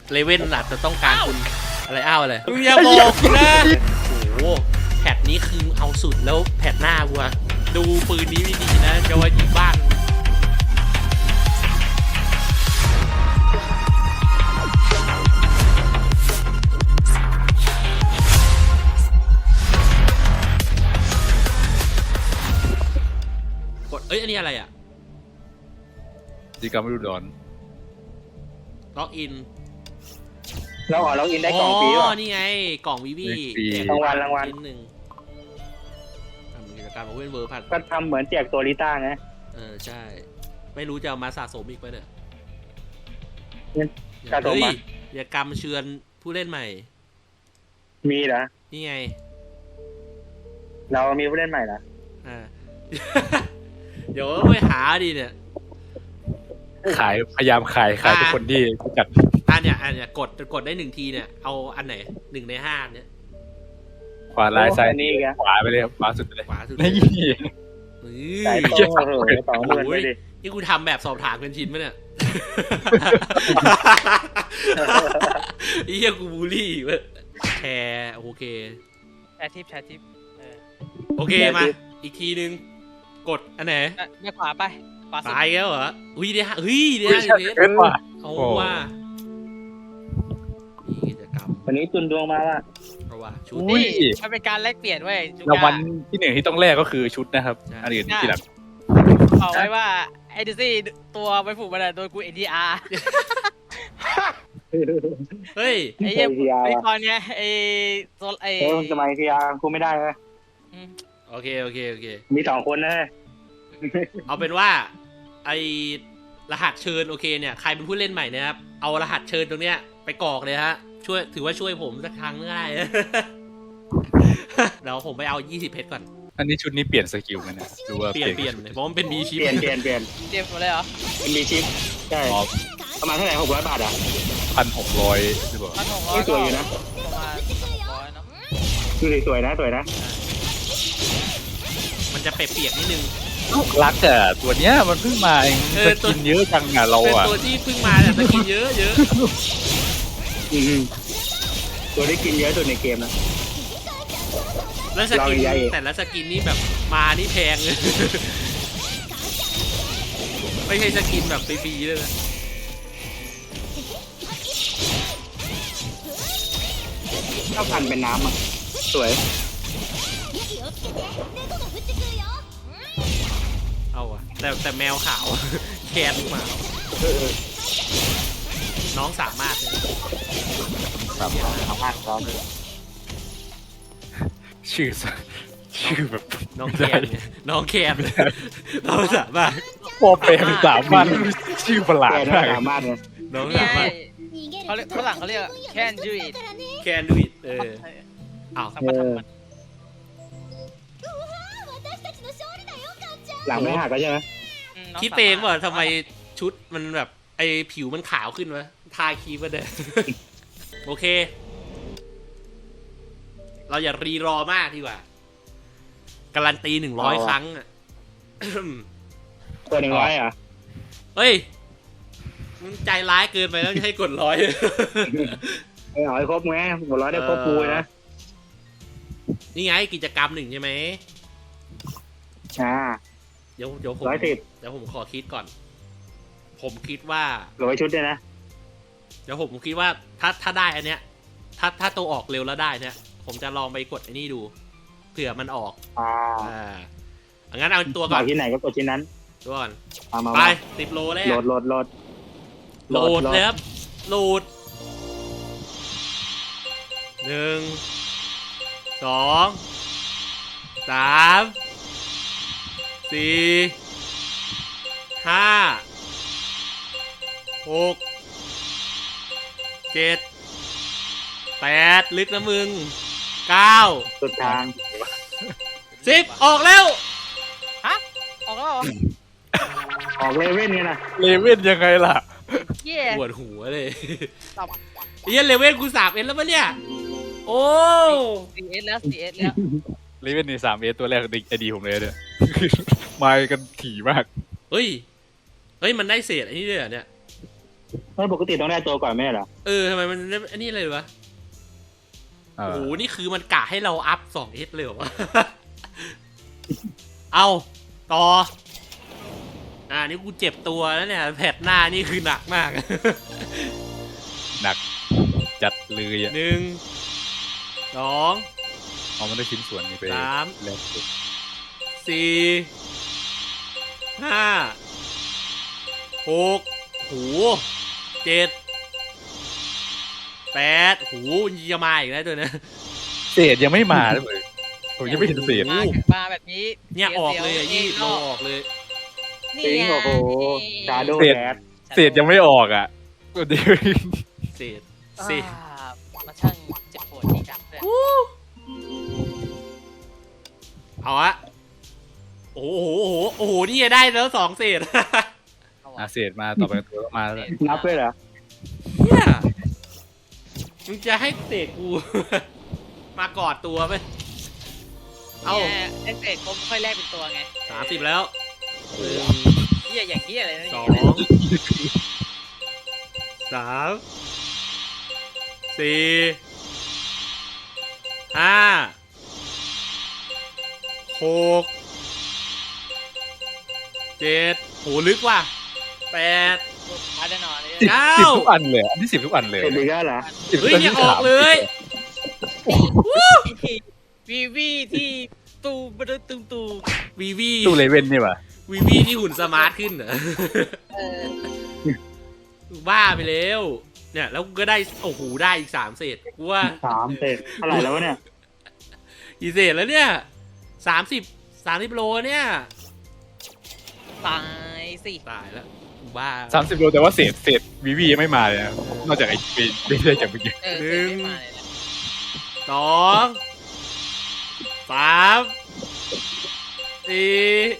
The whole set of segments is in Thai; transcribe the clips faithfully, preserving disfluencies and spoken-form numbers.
เลเว่นอาจจะต้องการคุณอะไรอ้าวอะไรมึงอย่าบอกนะโอ้โหแพทนี้คือเอาสุดแล้วแพทหน้ากูอะดูปืนนี้ไม่ดีนะจะว่ายิงบ้านกดเอ้ยอันนี้อะไรอะกิจกรรมฤดูร้อนล็อกอินเราอ๋อล็อกอินได้กล่องฟรีอ๋ป่ะอนี่ไงกล่องวิวีรางวัลรางวัลหนึ่งทำกิจกรรมของเว้นเวอร์พันก็ทำเหมือนแจกตัวลิต้าไงเออใช่ไม่รู้จะเอามาสะสมอีกไปเนี่ยสะสมเฮ้ยมากิจกรรมเชิญผู้เล่นใหม่มีเหรอนี่ไงเรามีผู้เล่นใหม่เหรออ่า เดี๋ยวไปหาดิเนี่ยขายพยายามขายขายทุกคนที่รู้จักอันเนี้ยอันเนี้ยกดกดได้หนึ่งทีเนี่ยเอาอันไหนหนึ่งในห้าเนี่ยขวาลายซ้ายโอ้อันนี้อีกอะขวาไปเลยครับขวาสุดไปเลยขวาสุดนี่เฮ้สายยโต้เหอะสองหมื่นไปดินี่กูทำแบบสอบถามเป็นชิ้นไหมเนี่ย ไอ้เหี้ยกูบูลลี่เว้ยแชร์โอเคแชร์ทิปแชร์ทิปเออโอเคมาอีกทีนึงกดอันไหนอ่ะไม่ขวาไปขวาสุดตายแล้วเหรออุ้ยเดี๋ยวเฮ้ยเดี๋ยวไม่ใช่เพชรเป็นว่ะเอาว่านี่กิจกรรมวันนี้ตุนดวงมาว่ะเพราะว่าชุดนี่มันเป็นการแลกเปลี่ยนเว้ยจุรางวัลกาที่หนึ่งที่ต้องแลกก็คือชุดนะครับใช่อันอื่นที่หลังบอกไว้ว่าไอ้ดิซี่ตัวไปผูกมันอะโดนกูเอ็นดีอาร์เฮ้ยไอ้เหี้ยเทียร์ไอ้ว่ะตอนเนี้ยไอ้โซไอ้เออสมัยเทียร์กูไม่ได้นะอืมโอเคโอเคโอเคมีสองคนนะเอาเป็นว่าไอรหัสเชิญโอเคเนี่ยใครเป็นผู้เล่นใหม่นะครับ เอารหัสเชิญตรงเนี้ยไปกรอกเลยฮะช่วยถือว่าช่วยผมสักครั้งง่าย เดี๋ยวผมไปเอายี่สิบเพชรก่อนอันนี้ชุดนี้เปลี่ยนสกิลกันนะดูว่าเปลี่ยนเปลี่ยนเพราะมันเป็นบีชิปเปลี่ยนเปลี่ยนเปลี่ยนเตรียมหมดเลยเหรอเป็นมีชิปใช่อ๋อประมาณเท่าไหร่หกร้อยบาทอ่ะพันหกร้อยหรือเปล่าพันหกร้อไม่ยสวยอยู่นะประมาณหกร้อยเนาะดูดิสวยนะสวยนะมันจะเปียกๆนิดนึงลูกรักอะตัวเนี้ยมันเพิ่งมาเองเอจะอตัวกินเยอะจังอะเราเป็นอะตัวที่เพิ่งมาแต่สกินเยอะเยอะอืมตัวที่กินเยอะสุดในเกมนะแล้วสกินเราใหญ่แต่ละสกินนี่แบบมานี่แพงเลย ไม่ใช่สกินแบบฟรีๆเลยนะข้าวพันเป็นน้ำอ่ะสวยเอาอะแต่แต่แมวขาว แคทหมาน้องสามารถเลยสามสามารถครับชื่อชื่อแบบน้องแคนไงน้องแคนน้องสามารถพอเป็นสามพันชื่อประหลาดแกมากสามารถเลยน้องนี่สาไงมารถเขาเรียกฝรั่งเขาเรียก can do it แคนดูอิเอออ้าวสามารถทำมันหลังไม่หักก็ใช่ไหมอืมน้คิดเองว่าทำไมชุดมันแบบไอผิวมันขาวขึ้นวะทาครีมมาเด้ โอเค เราอย่ารีรอมากดีกว่าการันตีหนึ่งร้อยครั้งอ่ะตัวหนึ่งร้อยอ่ะเฮ้ยมึงใจร้ายเกินไปแล้วจะให้กดร้อยไอ้เอาให้ครบไงหมดร้อยได้ครบปูเลยนะนี่ไงกิจกรรมหนึ่งใช่ไหมอ่าเดี๋ยวเดี๋ยวผมร้อยสิบเดี๋ยวผมขอคิดก่อน ผมคิดว่าร้อยชุดด้วยนะเดี๋ยวผมคิดว่าถ้าถ้าได้อันเนี้ย ถ้าถ้าตัวออกเร็วแล้วได้เนี่ย ผมจะลองไปกดไอ้นี่ดูเผื่อมันออกอ่าอ่างั้นเอาตัวบก่ออน กที่ไหนก็กดที่นั้นตัวก่อนเอามาไปมาสิบโลแรกโหลดโหลดโหลดโหลดเลยครับโหลดหนึ่งสองสามสี่ห้าหกเจ็ดแปดลึกนะมึงเก้าสุดทางสิบออกแล้วฮะออกแล้วเหรอออกเลเว่นไงนะเลเว่นยังไงล่ะเย่ปวดหัวเลยตับเฮียเลเวลกูสามเอ็นแล้วปะเนี่ย โอ้สี่เอสแล้วสี่เอสแล้วเลเว่นในสามเอตัวแรกไอดีผมเลยเนี่ย มากันถี่มากเฮ้ย เฮ้ย มันได้เศษไอ้นี่ด้วยเหรอเนี่ยไม่ปกติต้องได้ตัวก่อนไม่ใช่เหรอเออทำไมมันอันนี้เลยวะเอโอ้อโหนี่คือมันกะให้เราอัพสองเอสเลยเหรอวะ เอาต่ออ่านี่กูเจ็บตัวแล้วเนี่ยแผลหน้านี่คือหนักมากหนักจัดเลยอ่ะหนึ่งสองเอามันได้ชิ้นส่วนนี้ไปสามแลกสุดสี่ห้าหกโหเจ็ดแปดโหจะมาอีกแล้วตัวเนี้ยเศษยังไม่มาเลยผมยังไม่เห็นเศษมามาแบบนี้เนี่ยออกเลยอ่ะสียี่วโลๆออกเลยนี่จริงไงโอ้โหชาโดว์แดดเศษยังไม่ออกอ่ะเดี๋ยวเศษเศษอ่ามาช่างเจ็บปวดที่ดับเลยเอาอะโอ้โหโอ้โหโอ้โหนี่ได้แล้วสองเศษอาเศษมาต่อไปตัวก็มาแล้วนับด้วยเหรอเนี่ยมึงจะให้เศษกู มากอดตัวไปเอาเนี่ยไอ้เศษผมค่อยแลกเป็นตัวไงสามสิบแล้วหนึ่งเฮียอย่างเฮียอะไรนะสองย่างนี้สามสี่ห้าหกเจ็ดโหลึกว่ะแปดอาแน่นอนเลยสิบเก้าสิบทุกอันเลยอันที่สิบทุกอันเลยเสร็จดีก็เหรอสิบเฮ้ยทุกเนี่ยที่ออกเลยวีวีที่ตูบดตูตูวีวีตู้เลเว่นนี่ป่ะวีวีที่หุ่นสมาร์ทขึ้นเหรอเออบ้าไปแล้ว เนี่ยแล้วก็ได้โอ้โหได้อีกสามเศษกูว่าสามเสร็จเท่าไหร่แล้ววะเนี่ยกี่เศษแล้วเนี่ยสามสิบสามสิบโลเนี่ยตายสิตายแล้วกูบ้าสามสิบโลแต่ว่าเศษเศษวีวียังไม่มาเลยนะนอกจากไอ้ปีไม่ได้จากเมื่อกี้เออเศษไม่มาเลยนะสองสามสี่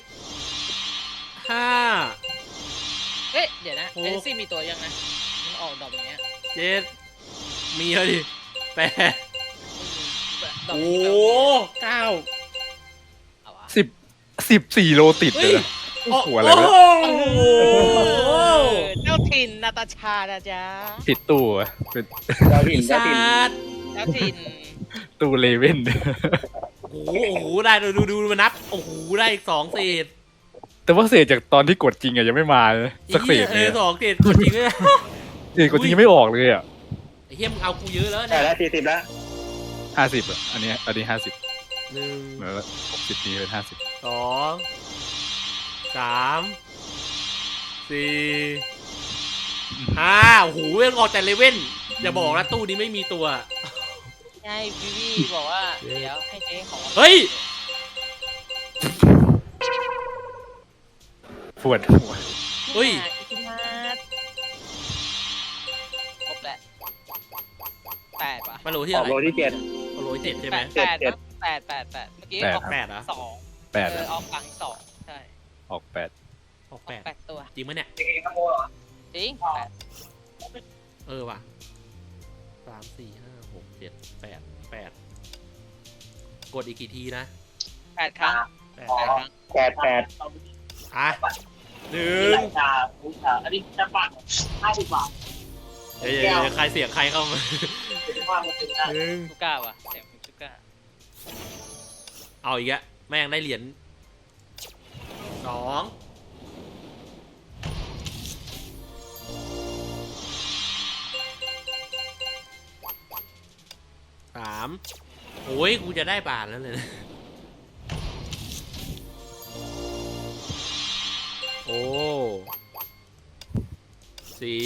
ห้าเอ๊ะเดี๋ยวนะโอ้เอซี่มีตัวยังนะมันออกดอกอย่างเงี้ยเจ็ดมีแล้วดิแปดดอกโอ้นี้โหแบบเก้าเอาวะสิบสิบสี่โลติดเลยนะโอ้โอ้โหอะไรวะโอ้โหเออเจ้าถิ่นนาตาชานะจ๊ะผิดตู้อะเป็นเจ้าถิ่นปีเจ้าศาถิ่นจเจ้าถิ่นตู้เลเว่นโอ้โหโอ้โหได้ดูดูดูมานับโอ้โหได้อีกสองเศษแต่ว่าเศษจากตอนที่กดจริงอะยังไม่มาเลยสักเศษเอเลยออะสองเศษจริงเลยเศษกดจริงยังไม่ออกเลยอ่ะไอ้เฮียมึงเอากูเยอะแล้วได้เนี่ยแล้วสี่สิบแล้วห้าสิบอ่ะอันนี้อันนี้ห้าสิบหนึ่งเหมือนหกสิบนี้เป็นห้าสิบสองสามสี่ห้าโอ้โหยังออกแต่เลเว่นอย่าบอกนะตู้นี้ไม่มีตัวใช่วิวีบอกว่า เดี๋ยวให้เจ๊ของเฮ้ยปวดหัวเฮ้ยอิคิมาสครบแล้วแปดว่ะมาโหลที่ออะอกไรโลที่เจ็ดมาโหลที่เจ็ดใช่ไหมแปดเจ็ดแปดแปดแปดเมื่อกี้แปดออกแปดเหรอสองแปดเอออะออกกลางสองใช่ออกแปดออกแปแปดดแปดตัวจริงไหมเนี่ยจริงแปดเออว่ะสามสี่ห้าหกเจ็ดแปดแปดกดอีกกี่ทีนะแปดครั้งแปดแปดครั้งแปดแปดอ่ะหนึ่งอันนี้จะบาทห้าสิบบาทเดี๋ยวเดี๋ยวเดี๋ยวใครเสียงใครเข้ามาเป็นว่ามันเป็นได้หนึ่งชูก้าว่ะเสียงชูก้าเอาอีกอะแม่งได้เหรียญสองสามโอ้ยกูจะได้บาทแล้วเลยนะโอ้สี่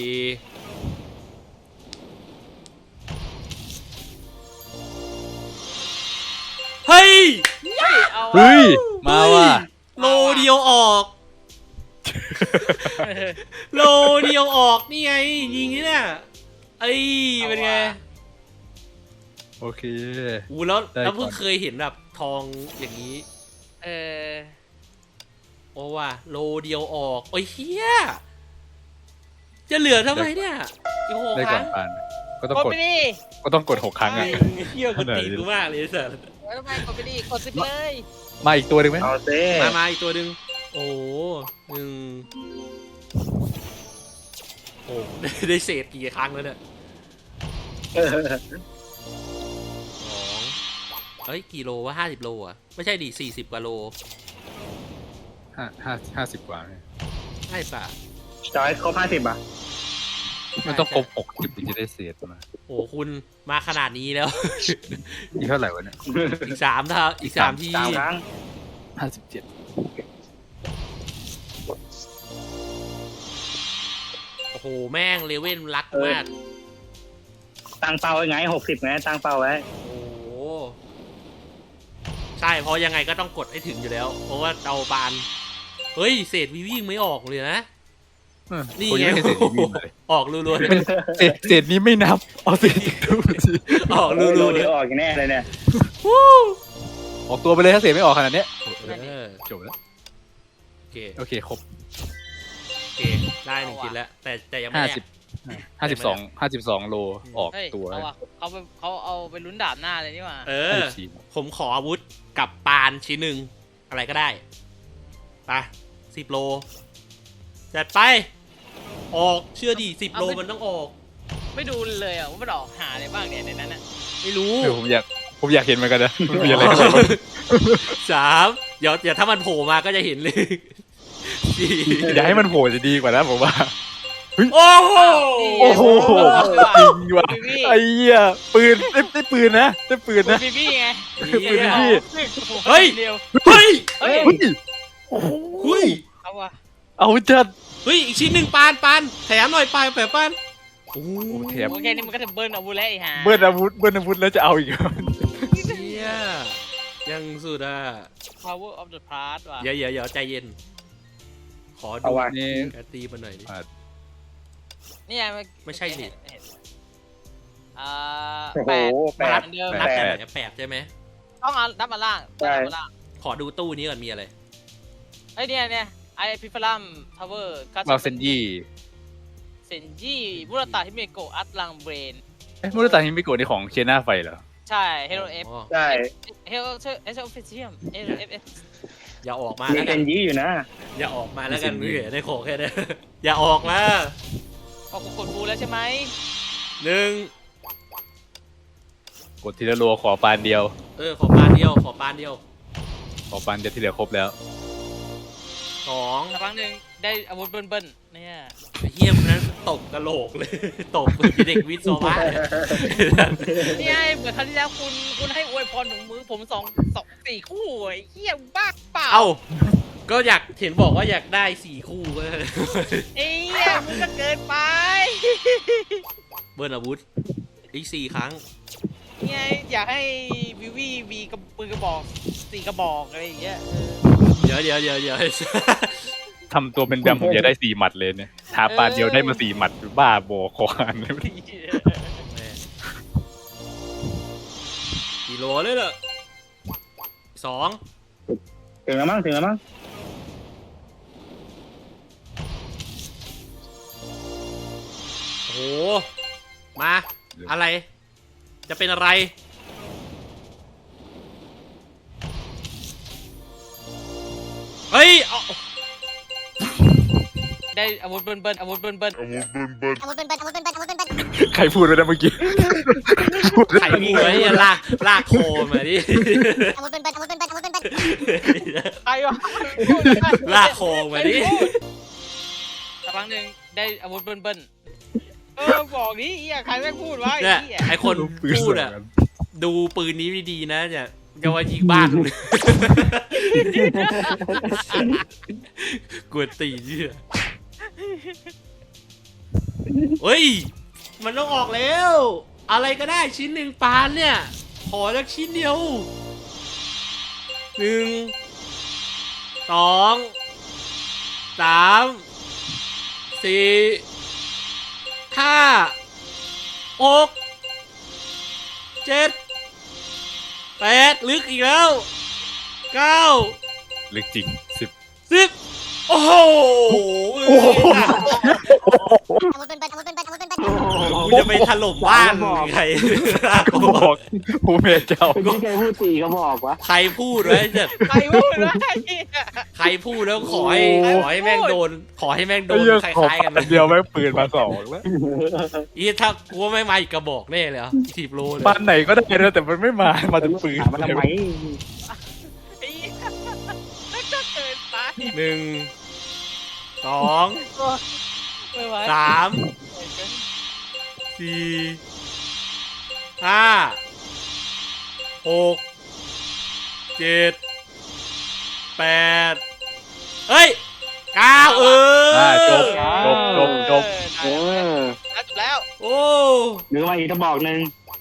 เฮ้ยเฮ้ยเอาเฮ้ยมาว่ะโลเดียวออก โลเดียวออกนี่ไงยิงนี่เนี่ยเอ้ยเป็นไงโอเคอูแล้วได้แล้วเพิ่งก่อนเคยเห็นแบบทองอย่างนี้เออโอ้ว่ะโลเดียวออกโอ้ยเฮียจะเหลือทำไมเนี่ยอีกหกได้คก่อรั้นงปานก็ต้องกดกดไปดิก็ต้องกดหกครั้งอ่ะเฮียกูตีกูมากเลยไอ้สัสแล้วทำไมกดไปดิกดสิบเลยมาอีกตัวหนึ่งไหมเอาเซ่มามาอีกตัวหนึ่งโอ้โหหนึ่งโหอ้ได้ได้เศษกี่ครั้งแล้วเนี่ยเออสองเอ้ยกี่โลวะห้าสิบโลอ่ะไม่ใช่ดิสี่สิบกว่าโลห้าห้าห้าสิบกว่าเนี่ยใช่ป่ะจอยครบห้าสิบอ่ะมันต้องครบหกสิบถึงจะได้เศษมาโอ้คุณมาขนาดนี้แล้วอีกเท่าไหร่วะเนี่ยอีกสามเท่าอีกสามที่สามครั้งห้าสิบเจ็ดโอ้โหแม่งเลเว่นรักมากตั้งเป้าไว้ไงหกสิบไงตั้งเป้าไว้โอ้โหใช่เพราะยังไงก็ต้องกดให้ถึงอยู่แล้ว เพราะว่าเอาบานเฮ้ยเศษวีวิ่งไม่ออกเลยนะ นี่ผมไงยังไม่เห็นเศษนี้เลยออกรัวๆเลยเศษเศษนี้ไม่นับเอาเศษดูสิออกโอ้รัโหวๆเลเดี๋ยยวออกอย่างแน่เลยเนี่ยออกตัวไปเลยถ้าเศษไม่ออกขนาดเนี้ยเออจบแล้วโอเคโอเคครบโอเคได้หนึ่งชิ้นแล้ว แต่แต่ยังไม่ห้าแลสิบกห้าสิบสองห้าสิบสองโลออกเฮ้ยตัวเอาอะเขาไปเขาเอาไปลุ้นดาบหน้าเลยนี่หว่าเอห้าอสิบสี่ผมขออาวุธกับปานชิ้นหนึ่งอะไรก็ได้ไปสิบโลจัดไป ออกเชื่อดิสิบโลมันต้องออกไม่ดูเลยอ่ะว่ามันออกหาอะไรบ้างเนี่ยในนั้นน่ะไม่รู้เดี๋ยวผมอยากผมอยากเห็นเหมือนกันนะมันมีอะไรบ้างสามเดี๋ยวเดี๋ยวถ้ามันโผล่มาก็จะเห็นเลยสี่อยากให้มันโผล่จะดีกว่านะผมว่าโอ้โหโอ้โหจริงว่ะบีบี้ไอ้เหี้ยปืนได้ได้ปืนนะได้ปืนนะบีบี้ไงปืนพี่เฮ้ยเดียวเฮ้ยเฮ้ยเฮ้ยเฮ้ยเอาว่ะเอาจัดเฮ้ยอีกชิ้นหนึ่งปานปานแถมหน่อยปานแถมปานโอ้โอ้แถมโอเคนี่มันก็จะเบิร์นอาวุธแล้วไอ้ห่าเบิ้ลอาวุธเบิ้ลอาวุธแล้วจะเอาอีกเหรอเชี่ยยังสุดอ่ะ power of the past ว่ะเดี๋ยวเดี๋ยวเดี๋ยวใจเย็น ขอเอาดูว่ะนี่แกตีมาหน่อยดินี่ไงนไม่ใช่ดิเห็นเห็นอ่าโอ้โหแปดแปนัดบเดิมนับแปกันดไหนแปดใช่ไหมต้องเอานับมาล่างใช่นับมาล่างขอดูตู้นี้ก่อนมีอะไรไอ้ยเนี่ยเนี่ยไอพิฟลัมทาวเวอร์มาเซนยี่เซนจิบุรตาฮิเมโกะอัตลังเบรนเอ๊ะมุรตาฮิมิโกะนี่ของเชน่าไฟเหรอใช่เฮโรเอฟอ๋อใช่เฮโรเอฟออฟฟิเชียลเอฟเอฟอย่าออกมามีแล้วเซกันนยี่อยู่นะอย่าออกมาแล้วกันมีพี่สิ่งนี้ได้ของแค่นี้ อย่าออกมาออกกดบูแล้วใช่ไหมหนึ่งกดทีละรัวขอปานเดียวเออขอปานเดียวขอปานเดียวขอปานเดียวที่เหลือครบแล้วสองสักพักหนึ่งได้อาวุธเบิ้ลเบิ้ลเนี่ยเฮียมนนั้นตกกระโหลกเลย ตกเด็กวิศวะเนี่ยนี่ไงเหมือนครั้งที่แล้วคุณคุณให้อวยพรถุงมือผมสองสองสี่คู่ไอ้เหี้ยบ้าเปล่าเอ้าก็อยากเห็นบอกว่าอยากได้สี่คู่ก็ไอ้เหี้ยมึงก็เกินไปเบิร์นอาวุธอีกสี่ครั้งนี่ไงอยากให้วิวีมีกระปืนกระบอกสี่กระบอกอะไรอย่างเงี้ยเออเดี๋ยวเดี๋ยวเดี๋ยวเดี๋ยวทำตัวเป็นแบมผมอยากได้สี่หมัดเลยเนี่ยทาปานเดียวได้มาสี่หมัดบ้าบอคอหันเลยแม่กี่โลเลยเหรอสองถึงแล้วมั้งถึงแล้วมั้งโอ้โหมาอะไร จะเป็นอะไร เฮ้ยเอาได้อาวุธเบิ้ลเบิ้ลอาวุธเบิ้ลเบิ้ลใครพูดไปนะเมื่อกี้ไข่มีไว้ลากลากโคมาดิใครวะลากโคมาดิสักพักหนึ่งได้อาวุธเบิ้ลเบิ้ลเออบอกดิเหี้ยใครแม่งพูดวะเนี่ยไอ้เหี้ยไอคนพูดอ่ะ ดูปืนนี้ดีๆนะเนี่ยจะว่ายิงบ้านมึงกวนตีนเนี่ยเฮ้ย มันต้องออกแล้ว อะไรก็ได้ชิ้นหนึ่งปานเนี่ย ขอสักชิ้นเดียวหนึ่งสองสามสี่ห้าหกเจ็ดแปดลึกอีกแล้วเก้าลึกจริงสิบสิบโอ้โหโอ้โหกูจะไปถล่มบ้านใครก็บอกผู้เมเจ้าคนที่เคยพูดตีก็บอกวะใครพูดไว้จะใครพูดวะไอ้เหี้ยใครพูดแล้วขอให้ขอให้แม่งโดน ขอให้แม่งโดไอ้นเหี้ยคขอล้ายๆกันปันเดียวแม่งปืนมาสองแล้วอีถ้ากูว่าไม่มาอีกกระบอกแน่เลยอ่ะสิบโลเลยบ้านไหนก็ได้นะแต่มันไม่มามาถึงปืนถามมาทำไมไอ้เหี้ยไม่ก็เกินไปหนึ่งสองไม่ไหวสามสี่ห้าหกเจ็ดแปดเฮ้ยเก้าเอออ่าจบจบจบจบเออแล้วจบแล้วโอ้หรือว่าอีกกระบอกหนึ่ง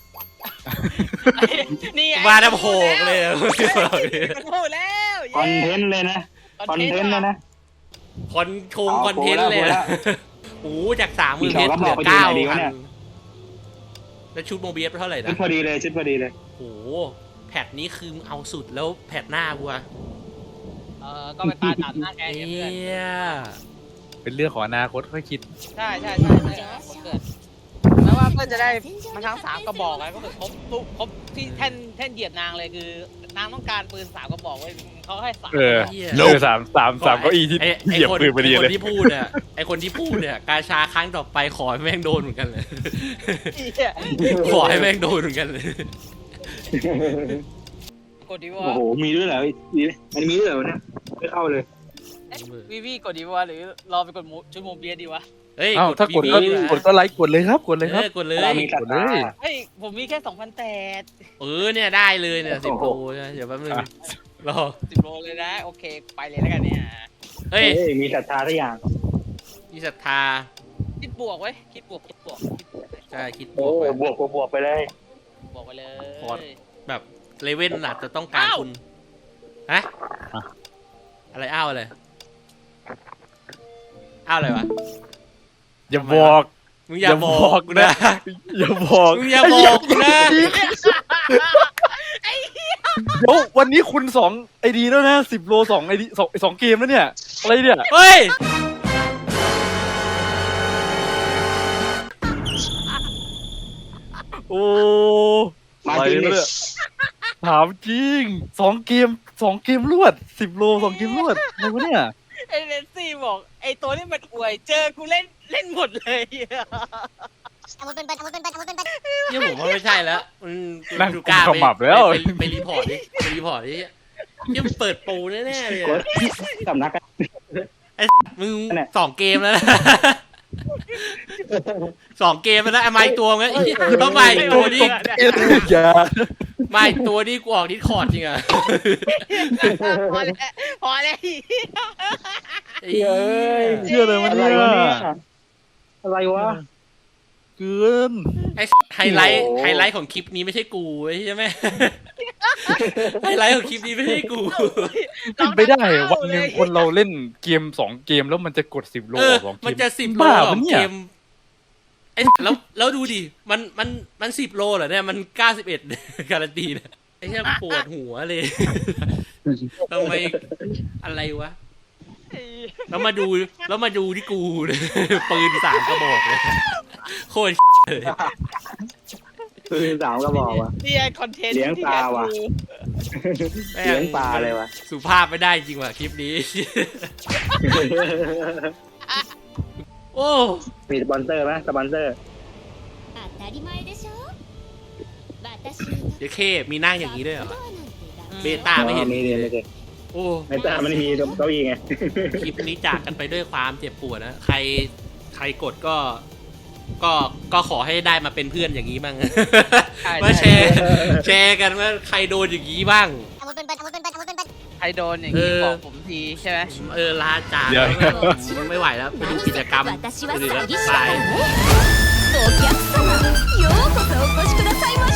นี่ไงมาแล้วโผล่เลยอะมันพูดแล้วคอนเทนต์เลยนะคอนเทนต์เลยนะคอนชงเอาคอนเทนต์เลยโผล่แล้วโอ้โหจากสามหมื่นอีกเพสชองรเหลือก็บอกไปเก้าดูหน่อยดีพัวะนเนี่ยแล้วชุดโมเบียสเท่าไหร่ชุนะดพอดีเลยชุดพอดีเลยโอ้โหแพทนี้คือเอาสุดแล้วแพทหน้ากูอะเออก็ไปตาตัดหน้าแกเอเพื่อนียเป็นเรื่องของอนาคตค่อยคิดใช่ใช่ใช่ใช่คนเกิดแล้วว่าเพื่อนจะได้มาทั้งสามกระบอกไงก็คือครบทุกครบที่แท่นแท่นเหยียบนางเลยคือนางต้องการปืนสามกระบอกไว้เขาให้สามเออเหี้ยเออสามสามสามเก้าอี้ที่ไอ้ไอ้เหยียบคนปืนไปดีไอ้คเลยนที่พูดเนี่ยไอคนที่พูดเนี่ยกาชาครั้งต่อไปขอให้แม่งโดนเหมือนกันเลยเหี้ยขอให้แม่งโดนเหมือนกันเลยกดดีวะโอ้โหมีด้วยเหรอมีมันมีด้วยเหรอเนี่ยไม่เข้าเลยวีวีกดดีวะหรือรอไปกดชุดโมเบียดีวะเฮ้ยเอ้าถ้ากดก็บีบีกดก็ไลค์กดเลยครับกดเลยคเอรับอกดเลยเรามีศรัทธาเฮ้ยผมมีแค่สองพันแปดเออเนี่ยได้เลยเนี่ยสิบโลนะเดี๋ยวแป๊บนึงอ่ะรอสิบโลเลยนะโอเคไปเลยแล้วกันเนี่ยเฮ้ยเฮ้ยมีศรัทธาทุกอย่างมีศรัทธาคิดบวกไว้คิดบวกคิดบวกคิดบวกใช่คิดบโอ้วกไว้บวกบวกบวกไปเลยบวกไปเลยพอด แบบเลเว่นอาจจะต้องการคุณฮะอ่ะอะไรอ้าวอะไรอ้าวอะไรวะอย่าบอกมึงอย่าบอกกูนะอย่าบอกมึงอย่าบอกกูนะเดี๋ยววันนี้คุณสองไอดีแล้วนะสิบโลสองไอดีสองสองเกมแล้วเนี่ยอะไรเนี่ยเฮ้ยโอ้มาอะไรจริงดิเนี่ยถามจริงสองเกมสองเกมรวดสิบโลสองเกมรวดอะไรวะเนี่ยไอเลนซี่บอกไอตัวนี้มันอวยเจอกูเล่นเล่นหมดเลยเนี่ยผมว่าไม่ใช่แล้วมันนั่งดูกุกล้ามขมับแล้วไปไปไปรีพอร์ตดิไปรีพอร์ตดิยังเปิดโปรแน่ๆเลยกอะดสำนักกันมึงนั่นแหละสองเกมแล้วนะ สองเกมแล้วนะไอ้ไม้ตัวงั้นอีต้องมาอีกตัวนี้เอ็ดอย่ามาอีกตัวนี้กูออกดิสคอร์ดจริงอ่ะพอแล้วพอแล้วไอ้เหี้ยเชื่อเลยมันอะไรเนี่วะเนี่ย ยอะไรวะเกินไอ้ไฮไลท์โอ้โหไฮไลท์ของคลิปนี้ไม่ใช่กูใช่ไหม ไฮไลท์ของคลิปนี้ไม่ใช่กูเป็นไปได้วันหนึ่งคนเราเล่นเกมสองเกมแล้วมันจะกดสิบโลเออสองเกมมันจะสิบโลบ้าสอปะงเนี่เกยมไอ้แล้วแล้วดูดิมันมันมันสิบโลเหรอเนี่ยมันเก้าสิบเอ็ด การันตีเนี่ยไอ้เหี้ยปวดหัวเลย ทำไมอะไรวะ แล้วมาดูแล้วมาดูที่กูเลย ปืนสามกระบอกเลยโคตรเลยคือสามก็บอกว่ะนี่ไอคอนเทนต์เลี้ยงปลาว่ะแม่งเลี้ยงปลาเลยวะสุภาพไม่ได้จริงว่ะคลิปนี้ โอ้มีสปอนเซอร์ไหมสปอนเซอร์当たり前でしょ私เดี๋ยวเคมีนั่งอย่างนี้ด้วยเหรอ เบベต้าไม่เห็นมีมีมีโอ้ไม่ตามันมีเก้าอี้ไงคลิปนี้จากกันไปด้วยความเจ็บปวดนะใครใครกดก็ ก็ก็ขอให้ได้มาเป็นเพื่อนอย่างนี้บ้าง มาแชร์แชร์กันว่าใครโดนอย่างนี้บ้างใครโดนอย่างนี้เออบอกผมทีใช่ไหมเออลาจากเดี๋ยวมันไม่ไหวแล้วไปดูกิจกรรม私は詐欺師ไปだからねお客様ようこそお越しくださいま